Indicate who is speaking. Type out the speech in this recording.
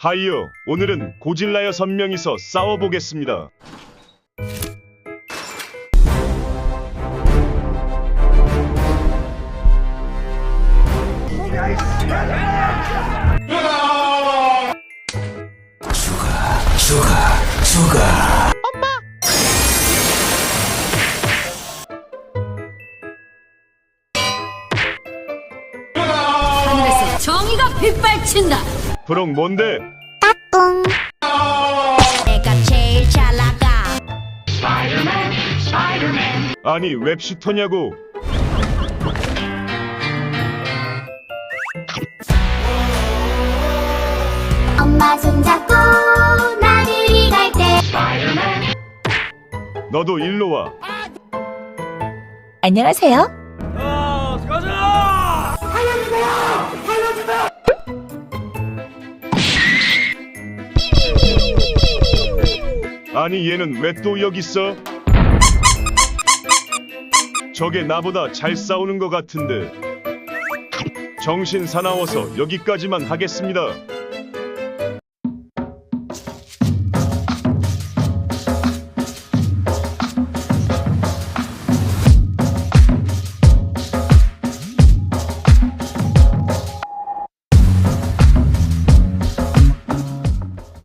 Speaker 1: 하이요, 오늘은 고질라 6명이서 싸워보겠습니다.
Speaker 2: 죽어.
Speaker 3: 하늘에서 정의가 빗발친다.
Speaker 1: 브록 뭔데?
Speaker 3: 내가 제일 잘 나가.
Speaker 1: 아니 웹슈터냐고.
Speaker 4: 엄마 손잡고 나들이 갈 때
Speaker 1: 너도 일로 와.
Speaker 5: 안녕하세요.
Speaker 1: 아니 얘는 왜 또 여기 있어? 저게 나보다 잘 싸우는 것 같은데. 정신 사나워서 여기까지만 하겠습니다.